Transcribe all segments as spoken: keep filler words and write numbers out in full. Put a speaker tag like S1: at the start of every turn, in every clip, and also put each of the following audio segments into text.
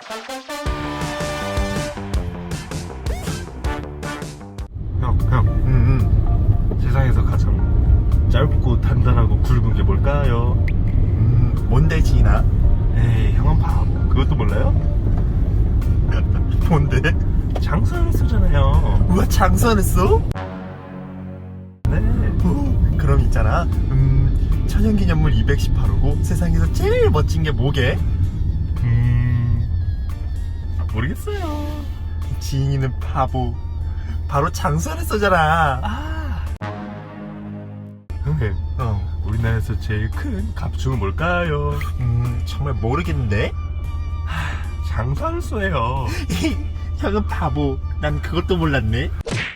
S1: 형, 형, 음, 음. 세상에서 가장 짧고 단단하고 굵은 게 뭘까요?
S2: 음, 뭔데 지인아?
S1: 에이, 형은 바보. 그것도 몰라요?
S2: 뭔데?
S1: 장수하는 수잖아요.
S2: 우와, 장수하냈어?
S1: 네.
S2: 오, 그럼 있잖아. 음, 천연기념물 이백십팔 호고 세상에서 제일 멋진 게 뭐게?
S1: 음, 모르겠어요.
S2: 지인이는 바보. 바로 장수하냈어잖아.
S1: 아. 형님,
S2: 어,
S1: 우리나라에서 제일 큰 갑충은 뭘까요?
S2: 음, 정말 모르겠는데?
S1: 장수하는소예요.
S2: 형은 바보. 난 그것도 몰랐네.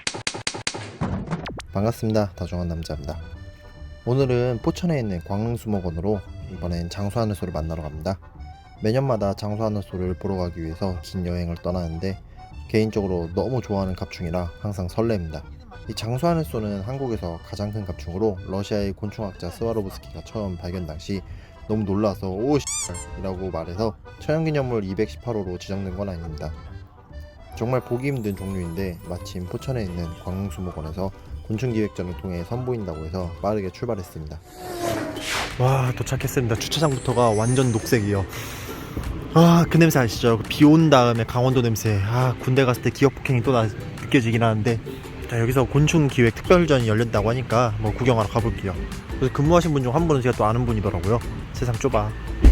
S3: 반갑습니다. 다정한 남자입니다. 오늘은 포천에 있는 광릉수목원으로 이번엔 장수하늘소를 만나러 갑니다. 매년마다 장수하늘소를 보러 가기 위해서 긴 여행을 떠나는데 개인적으로 너무 좋아하는 갑충이라 항상 설렙니다. 이 장수하늘소는 한국에서 가장 큰 갑충으로 러시아의 곤충학자 스와로브스키가 처음 발견 당시 너무 놀라서 오 이라고 말해서 천연기념물 이백십팔 호로 지정된 건 아닙니다. 정말 보기 힘든 종류인데 마침 포천에 있는 광릉수목원에서 곤충기획전을 통해 선보인다고 해서 빠르게 출발했습니다.
S2: 와, 도착했습니다. 주차장부터가 완전 녹색이요. 아, 그 냄새 아시죠? 비 온 다음에 강원도 냄새. 아, 군대 갔을 때 기억 폭행이 또 나, 느껴지긴 하는데, 자, 여기서 곤충 기획 특별전이 열렸다고 하니까 뭐 구경하러 가볼게요. 그래서 근무하신 분 중 한 분은 제가 또 아는 분이더라고요. 세상 좁아.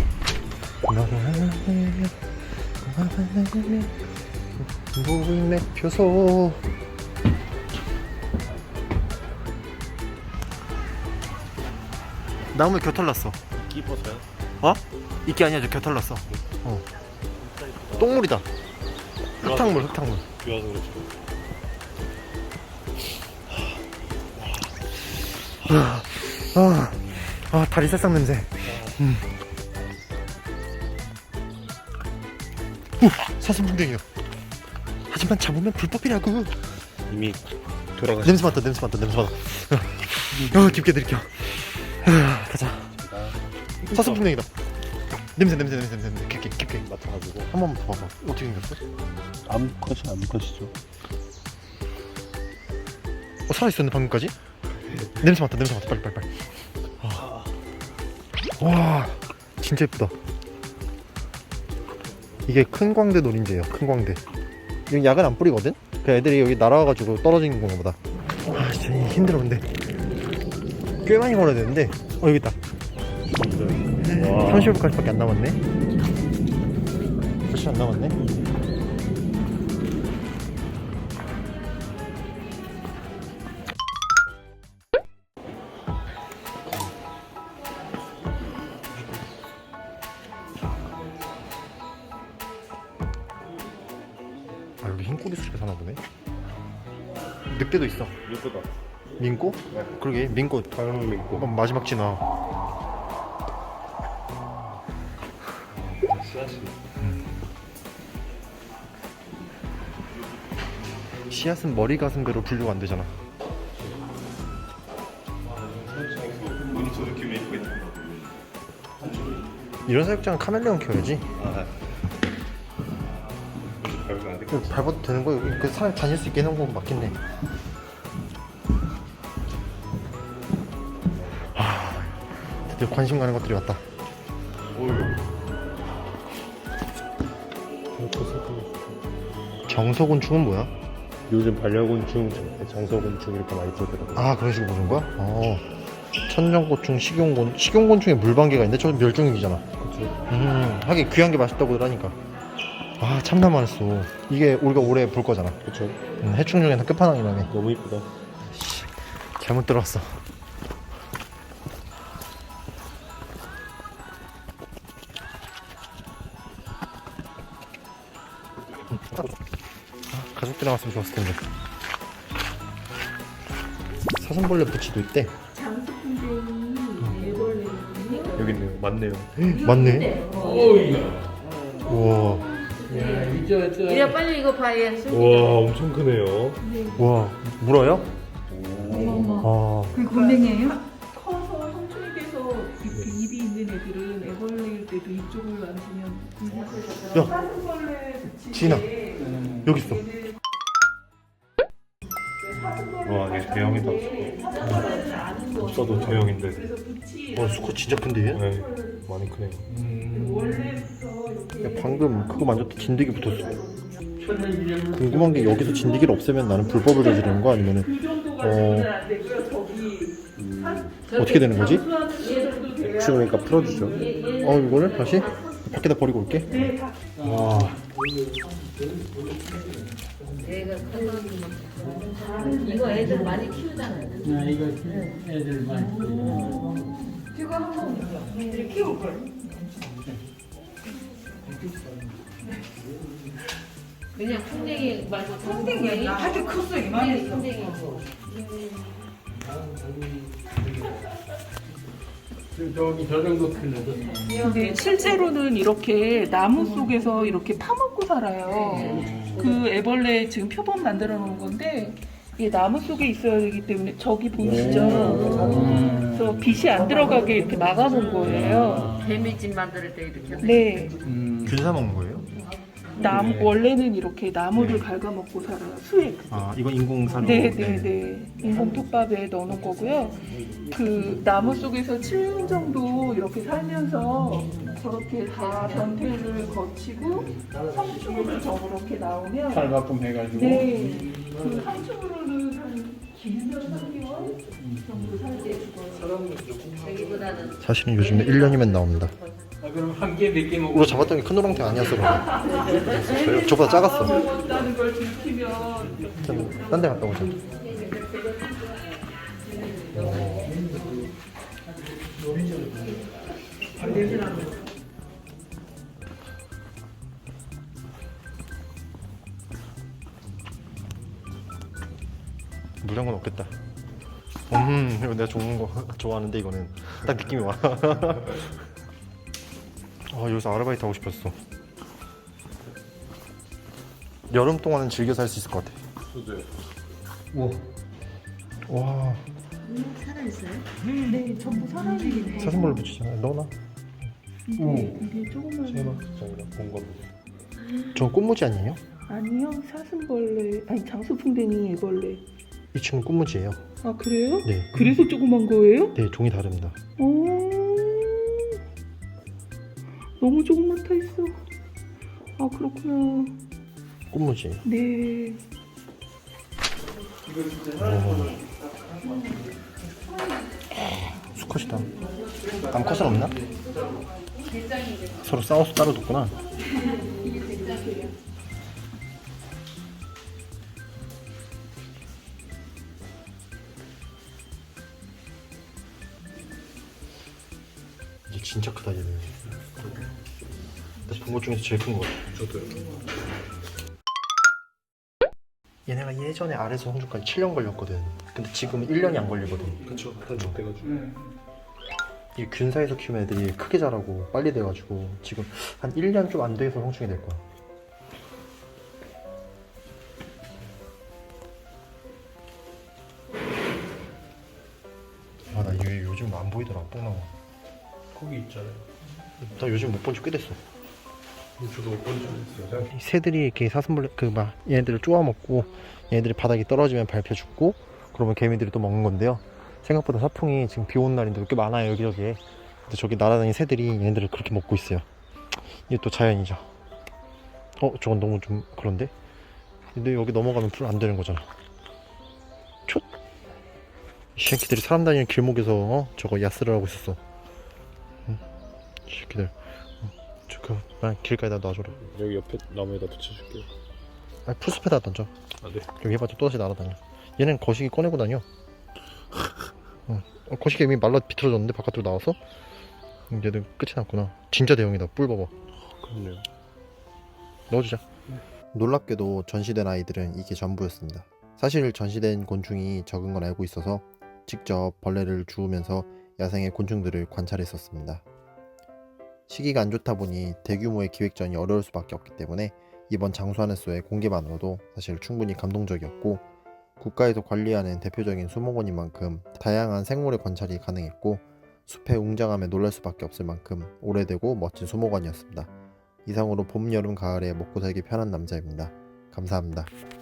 S3: 무인맥 표소.
S2: 나무에 겨털 났어.
S1: 끼버서요?
S2: 어? 이게 아니야, 저 겨털 났어. 어. 똥물이다. 흙탕물, 흙탕물.
S1: 비와서 그렇죠.
S2: 아, 아, 아, 다리 새싹 냄새. 음. 오, 사슴풍뎅이요. 하지만 잡으면 불법이라고.
S1: 이미 돌아가셨
S2: 냄새 맡다, 냄새 맡다, 냄새 맡다. 어, 깊게 들이켜. 아, 가자. 사슴풍뎅이다. 냄새, 냄새, 냄새, 냄새, 냄새. 깊게, 깊게.
S1: 맡아가지고
S2: 한 번만 더 봐봐. 어떻게 생겼어?
S1: 암컷이 암컷이죠.
S2: 어, 살아있었네, 방금까지? 냄새 맡다, 냄새 맡다, 빨리, 빨리, 빨리. 아. 와, 진짜 예쁘다. 이게 큰 광대 노린재예요, 큰 광대. 여기 약은 안 뿌리거든? 그 애들이 여기 날아와가지고 떨어지는 건가 보다. 아, 진짜 힘들어, 근데. 꽤 많이 걸어야 되는데. 어, 여기 있다. 삼십오 분까지밖에 안 남았네. 몇시 안 남았네. 아, 여기 흰꼬리 수집에 사나 보네. 늑대도 있어.
S1: 예쁘다.
S2: 민꼬?
S1: 네.
S2: 그러게, 민꼬.
S1: 강릉 민고.
S2: 어, 마지막 진화.
S1: 씨앗이.
S2: 씨앗은 머리 가슴배로 분류가 안 되잖아.
S1: 눈이 저 느낌이 예쁘겠다.
S2: 이런 사육장은 카멜레온 키워야지.
S1: 아, 별거 안 돼.
S2: 이거 밟아도 되는 거야? 여기 그 사람 다닐 수 있게 해놓은 건 맞겠네. 아, 드디어 관심 가는 것들이 왔다. 정서곤충은 뭐야?
S1: 요즘 반려곤충, 장서곤충 이렇게 많이 쓰더라고요.
S2: 아, 그런 식으로 보는 거야? 어. 천정곤충, 식용곤, 식용곤충에 물방개가 있는데 저 멸종위기잖아.
S1: 그쵸.
S2: 음, 하긴 귀한 게 맛있다고들 하니까. 아, 참나 많았어. 이게 우리가 올해 볼 거잖아.
S1: 그쵸.
S2: 음, 해충 중에는 끝판왕이라며.
S1: 너무 이쁘다.
S2: 잘못 들어왔어. 아, 가족들이랑 왔으면 좋았을 텐데. 사슴벌레 부치도 있대.
S1: 여기 있네요. 맞네요.
S2: 맞네. 우와.
S4: 이래 빨리 이거 봐야
S1: 와, 엄청 크네요.
S2: 우와. 물어요? 아.
S5: 그 곤충이에요? 커서 성충이 돼서 그 입이 있는 애들은 애벌레를 때도 이쪽을 만지면
S2: 야,
S5: 사슴벌레 붙이게
S2: 지인아, 여기 있어.
S1: 와 이게 대형이다. 없어도 대형인데.
S5: 그래서 붙이
S2: 와, 수컷 진짜 큰데 얘?
S1: 네, 많이 크네요.
S5: 원래부터 이렇게
S2: 야, 방금 그거 만졌다 진드기 붙었어. 궁금한 게 여기서 진드기를 없애면 나는 불법을 저지르는 거 아니면은
S5: 그 정도가
S2: 어.
S5: 되면 안 되고요. 저기
S2: 어떻게 되는 거지?
S5: 장수하는 정도 돼야
S1: 추우니까 풀어주죠.
S2: 어, 이거를 다시 밖에다 버리고 올게.
S5: 네, 다
S2: 와,
S4: 얘가 커서 이거 애들 많이 키우잖아요.
S6: 아, 이거 애들 많이
S5: 제가 한번 이렇게 키울 걸.
S4: 그냥 풍뎅이 말고
S5: 풍뎅이 아니라 아주 컸어 이만했어.
S4: 풍뎅이고.
S6: 저기 저 정도 클래도
S5: 근데 실제로는 이렇게 나무 속에서 이렇게 파먹고 살아요. 그 애벌레 지금 표본 만들어 놓은 건데 이게 나무 속에 있어야 되기 때문에 저기 보이시죠? 그래서 빛이 안 들어가게 이렇게 막아놓은 거예요.
S4: 개미집 만들 때 이렇게 하는
S5: 네,
S2: 균사 먹는 거예요?
S5: 나무 원래는 이렇게 나무를 갉아먹고 살아요. 수액.
S2: 아, 이건 인공사료.
S5: 네, 네, 네. 인공 톱밥에 넣어놓은 거고요. 그 나무 속에서 칠 년 정도 이렇게 살면서 저렇게 다 변태를 거치고 성충으로 저렇게 나오면
S6: 살바꿈 해가지고
S5: 네, 그 성충으로는 한 길면 삼 개월 정도 살게 죽어요.
S4: 여기보다는
S2: 사실은 요즘에 일 년이면 나옵니다.
S6: 아, 그럼 한 개 몇 개 먹고
S2: 우리가 잡았던 게 큰 노랑탱 아니었어. 그럼. 저보다 작았어.
S5: 먹었다는 걸 들키면
S2: 딴 데 갔다 오자. 물량은 없겠다. 음, 이거 내가 좋은 거 좋아하는데 이거는 딱 느낌이 와. 아, 여기서 아르바이트 하고 싶었어. 여름 동안은 즐겨 살 수 있을 것 같아. 우와. 와,
S4: 살아있어요?
S5: 네, 전부 사람이네.
S2: 사슴벌레 붙이잖아. 넣어놔.
S5: 이게, 이게 조그만
S1: 본거
S2: 저 꽃무지 아니에요?
S5: 아니요, 사슴벌레 아니 장수풍뎅이 애벌레.
S2: 이 친구 꽃무지예요.
S5: 아 그래요?
S2: 네.
S5: 그래서 조그만 거예요?
S2: 네, 종이 다릅니다.
S5: 오, 너무 조금만 타 있어. 아 그렇구나.
S2: 꽃무지.
S5: 네.
S2: 수컷이다. 암컷은 없나? 서로 싸워서 따로 뒀구나. 이게 진짜 크다 얘는. 본 것 중에서 제일 큰 것 같아.
S1: 저도요.
S2: 얘네가 예전에 아래서 성주까지 칠 년 걸렸거든. 근데 지금은 일 년이 안 걸리거든.
S1: 그쵸. 단축돼가지고.
S2: 이 균사에서 키우는 애들이 크게 자라고 빨리 돼가지고 지금 한 일 년 좀 안 돼서 성충이 될 거야. 아, 나 얘 요즘 안 보이더라. 똥 나와.
S1: 거기 있잖아요.
S2: 나 요즘 못 본 지 꽤 됐어.
S1: 저도 본적 있어요.
S2: 이 새들이 이렇게 사슴벌레 그 막 얘네들을 쪼아 먹고 얘네들이 바닥에 떨어지면 밟혀 죽고 그러면 개미들이 또 먹는 건데요. 생각보다 사풍이 지금 비 오는 날인데 꽤 많아요 여기저기에. 근데 저기 날아다니는 새들이 얘네들을 그렇게 먹고 있어요. 이게 또 자연이죠. 어, 저건 너무 좀 그런데? 근데 여기 넘어가면 불 안 되는 거잖아. 촛! 이 새끼들이 사람 다니는 길목에서 어? 저거 야스를 하고 있었어. 응? 이 새끼들. 어, 저그 길가에다 놔줘라.
S1: 여기 옆에 나무에다 붙여줄게요.
S2: 아니, 풀숲에다 던져.
S1: 아 네.
S2: 여기 해봤자 또다시 날아다녀. 얘는 거시기 꺼내고 다녀. 응. 어, 거시기 이미 말라 비틀어졌는데 바깥으로 나와서. 얘는 끝이 났구나. 진짜 대형이다. 뿔 봐봐.
S1: 그렇네요.
S2: 넣어주자.
S3: 놀랍게도 전시된 아이들은 이게 전부였습니다. 사실 전시된 곤충이 적은 건 알고 있어서 직접 벌레를 주우면서 야생의 곤충들을 관찰했었습니다. 시기가 안 좋다 보니 대규모의 기획전이 어려울 수밖에 없기 때문에 이번 장수하늘소의 공개만으로도 사실 충분히 감동적이었고, 국가에서 관리하는 대표적인 수목원인 만큼 다양한 생물의 관찰이 가능했고 숲의 웅장함에 놀랄 수밖에 없을 만큼 오래되고 멋진 수목원이었습니다. 이상으로 봄, 여름, 가을에 먹고 살기 편한 남자입니다. 감사합니다.